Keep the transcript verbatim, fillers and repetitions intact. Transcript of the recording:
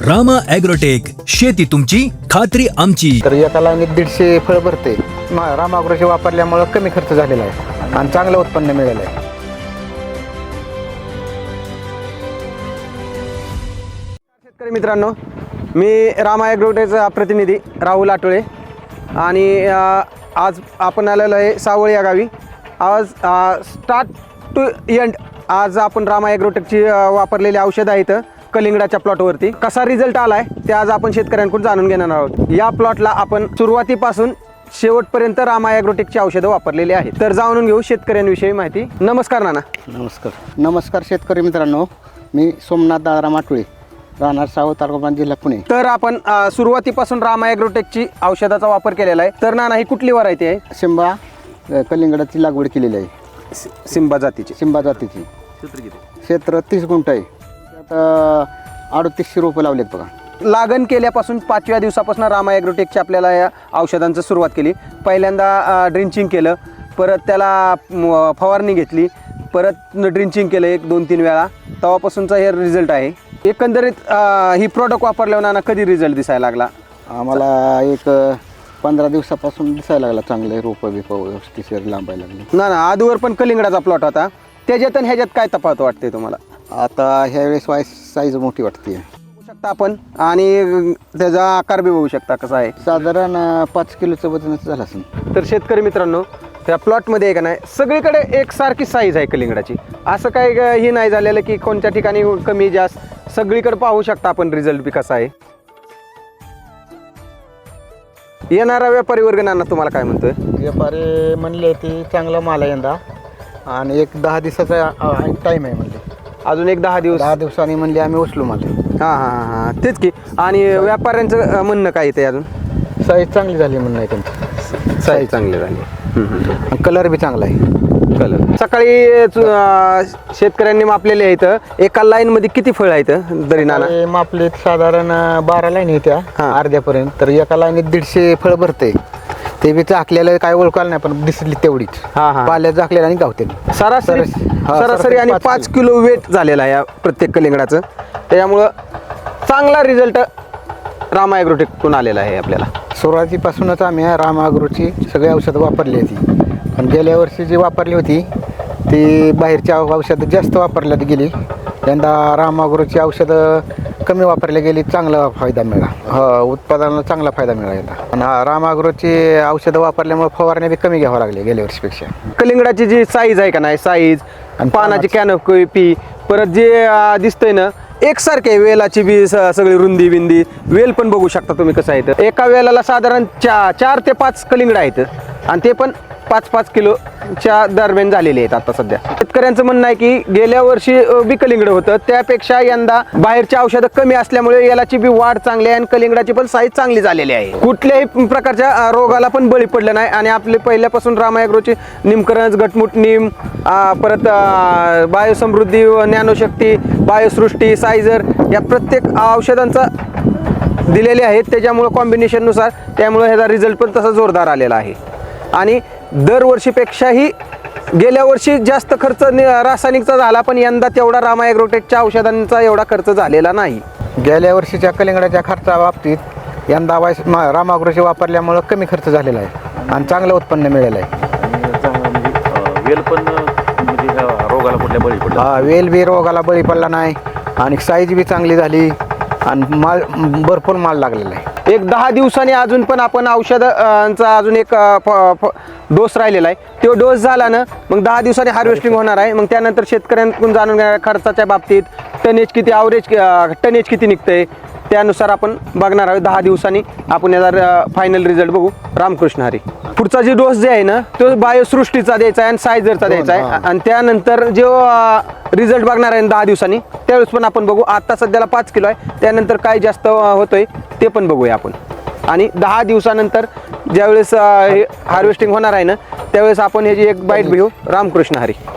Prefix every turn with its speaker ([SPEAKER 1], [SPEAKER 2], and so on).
[SPEAKER 1] Rama agrotech, शेती तुमची खात्री आमची.
[SPEAKER 2] तर एका लाईनीत दीडशे फळ भरते. रामा ॲग्रोचे वापरल्यामुळे कमी खर्च झालेला आहे आणि चांगलं उत्पन्न मिळालं आहे.
[SPEAKER 3] शेतकरी मित्रांनो, मी रामा ॲग्रोटेकचा प्रतिनिधी राहुल आटोळे आणि आज आपण आलेलो आहे सावळ या गावी. आज स्टार्ट टू एंड आज आपण रामा ॲग्रोटेकची वापरलेली औषधं आहेत कलिंगडाच्या प्लॉटवरती. कसा रिझल्ट आला आहे ते आज आपण शेतकऱ्यांकडून जाणून घेणार आहोत. या प्लॉटला आपण सुरुवातीपासून शेवटपर्यंत रामा ॲग्रोटेकची औषधं वापरलेली आहेत. तर जाणून घेऊ शेतकऱ्यांविषयी माहिती. नमस्कार नाना.
[SPEAKER 2] नमस्कार नमस्कार शेतकरी मित्रांनो, मी सोमनाथ दादाराम आटोळे, राहणार सावळ, तालुका जिल्हा पुणे.
[SPEAKER 3] तर आपण अ, सुरुवातीपासून रामा ॲग्रोटेकची औषधाचा वापर केलेला आहे. तर नाना, ही कुठली व्हरायटी आहे?
[SPEAKER 2] सिंबा अ, कलिंगडाची लागवड केलेली आहे.
[SPEAKER 3] सिंबा जातीची.
[SPEAKER 2] सिंबा जातीची. क्षेत्र तीस गुंठ आहे. त्यात अडतीसशे रोपं लावलेत बघा.
[SPEAKER 3] लागण केल्यापासून पाचव्या दिवसापासून रामा ॲग्रोटेकची आपल्याला या औषधांचं सुरुवात केली. पहिल्यांदा ड्रिंचिंग केलं, परत त्याला म, फवारणी घेतली, परत ड्रिंचिंग केलं एक दोन तीन वेळा. तेव्हापासूनचा हे रिझल्ट आहे. एकंदरीत अ, ही प्रोडक्ट वापरल्यावर नाना कधी रिझल्ट दिसायला लागला?
[SPEAKER 2] आम्हाला एक पंधरा दिवसापासून दिसायला लागला चांगले रोपं बिपं व्यवस्थित लांबायला लागले.
[SPEAKER 3] ना ना आधीवर पण कलिंगडाचा प्लॉट होता, त्याच्यात आणि ह्याच्यात काय तफावत वाटते तुम्हाला?
[SPEAKER 2] आता ह्यावेळेस वाईस साईज मोठी वाटते.
[SPEAKER 3] बघू शकता आपण, आणि त्याचा आकार बी बघू शकता कसा आहे.
[SPEAKER 2] साधारण अ, पाच किलोचं वजनच झालं असेल.
[SPEAKER 3] तर शेतकरी मित्रांनो, त्या प्लॉटमध्ये आहे का नाही, सगळीकडे एकसारखी साईज आहे कलिंगडाची. असं काय हे नाही झालेलं की कोणत्या ठिकाणी कमी जास्त, सगळीकडे पाहू शकता आपण रिझल्ट बी कसा आहे. येणारा व्यापारी वर्ग नाना तुम्हाला काय म्हणतोय?
[SPEAKER 2] व्यापारी म्हणले ती चांगला माल आहे यंदा आणि एक दहा दिवसाचा टाईम आहे म्हणले.
[SPEAKER 3] अजून एक दहा दिवस
[SPEAKER 2] दहा दिवसांनी म्हणले आम्ही उचलू माल.
[SPEAKER 3] हां हां हां हां तेच की. आणि व्यापाऱ्यांचं अं, म्हणणं काय येते अजून?
[SPEAKER 2] साईज चांगली झाली म्हणणं आहे त्यांची.
[SPEAKER 3] साईज चांगली झाली,
[SPEAKER 2] कलर बी चांगला आहे.
[SPEAKER 3] कलर. सकाळी चु- अं, शेतकऱ्यांनी मापलेले आहेत. एका लाईन मध्ये किती फळ आहेत तरी नाना?
[SPEAKER 2] आणि मापले साधारण बारा लाईन येत्या
[SPEAKER 3] हां.
[SPEAKER 2] अर्ध्यापर्यंत. तर एका लाईनीत दीडशे फळ भरते. ते बी झाकलेलं काय ओळखायला नाही, पण दिसली तेवढीच.
[SPEAKER 3] हां हां
[SPEAKER 2] पाल्यात झाकलेलं आणि गावते.
[SPEAKER 3] सरासरी
[SPEAKER 2] हा,
[SPEAKER 3] सरासरी आणि
[SPEAKER 2] पाच
[SPEAKER 3] पाच किलो वेट झालेला आहे या प्रत्येक कलिंगडाचं. त्याच्यामुळं चांगला रिझल्ट रामा ॲग्रोटेककडून आलेला आहे आपल्याला.
[SPEAKER 2] सुरुवातीपासूनच आम्ही रामा ॲग्रोची सगळी औषधं वापरली होती. पण गेल्या वर्षी जी वापरली होती ती बाहेरची औषधं जास्त वापरल्यात गेली. यंदा रामा ॲग्रोची औषधं कमी वापरली गेली, चांगला फायदा मिळाला. हो, उत्पादनाला चांगला फायदा मिळाला. आणि हा रामा ॲग्रोची औषधं वापरल्यामुळे फवारण्या बी कमी घ्यावं लागले गेल्या वर्षीपेक्षा.
[SPEAKER 3] कलिंगडाची जी साईज आहे का नाही, साईज आणि पानाची कॅनोपी, परत जे अं, दिसतंय ना एकसारखे आहे. वेलाची बी स- सगळी रुंदी बिंदी, वेल पण बघू शकता तुम्ही कसं आहे. तर एका वेलाला साधारण चा चार ते पाच कलिंगड आहेत आणि ते पण पाच पाच किलोच्या दरम्यान झालेले आहेत आता सध्या. शेतकऱ्यांचं म्हणणं आहे की गेल्या वर्षी अ, बी कलिंगड होतं, त्यापेक्षा यंदा बाहेरची औषधं कमी असल्यामुळे यालाची बी वाढ चांगली आहे आणि कलिंगडाची पण साईज चांगली झालेली आहे. कुठल्याही प्रकारच्या अ, रोगाला पण बळी पडलं नाही. आणि आपले पहिल्यापासून रामा ॲग्रोची निमकरंज, गटमुट निम, अ, परत अ, बायोसमृद्धी, ज्ञानशक्ती, बायोसृष्टी, सायझर या प्रत्येक औषधांचा दिलेले आहेत. त्याच्यामुळं कॉम्बिनेशननुसार त्यामुळे ह्याचा रिझल्ट पण तसा जोरदार आलेला आहे. आणि दरवर्षीपेक्षाही गेल्या वर्षी जास्त खर्च नि- रासायनिकचा झाला, पण यंदा तेवढा रामा ॲग्रोटेकच्या औषधांचा एवढा खर्च झालेला नाही.
[SPEAKER 2] गेल्या वर्षीच्या कलिंगडाच्या खर्चा बाबतीत यंदा वाईस रामा ॲग्रोचे वापरल्यामुळं कमी खर्च झालेला आहे आणि चांगलं उत्पन्न मिळालं आहे.
[SPEAKER 4] वेल पण म्हणजे ह्या रोगाला कुठल्या बळी पडला?
[SPEAKER 2] हा, वेल बी रोगाला बळी पडला नाही आणि साईज बी चांगली झाली आणि माल भरपूर माल लागलेला आहे.
[SPEAKER 3] एक दहा दिवसांनी अजून पण आपण औषधांचा अजून एक अ, फ- फ- डोस राहिलेला आहे. तो डोस झाला ना मग दहा दिवसांनी हार्वेस्टिंग होणार आहे. मग त्यानंतर शेतकऱ्यांकडून जाणून घेणार खर्चाच्या बाबतीत टनेज किती, ॲव्हरेज टनेज किती निघतंय, त्यानुसार आपण बघणार आहोत. दहा दिवसांनी आपण याचा फायनल रिझल्ट बघू. रामकृष्ण हरी. पुढचा जे डोस जे आहे ना तो बायोसृष्टीचा द्यायचा आहे आणि सायझरचा द्यायचा आहे.
[SPEAKER 2] हां.
[SPEAKER 3] आणि त्यानंतर जो रिझल्ट बघणार आहे दहा दिवसांनी त्यावेळेस पण आपण बघू. आता सध्याला पाच किलो आहे, त्यानंतर काय जास्त अ, होतोय ते पण बघूया आपण. आणि दहा दिवसानंतर ज्यावेळेस अ, हे हार्वेस्टिंग होणार आहे ना त्यावेळेस आपण ह्याची एक बाईट घेऊ. रामकृष्ण हरी.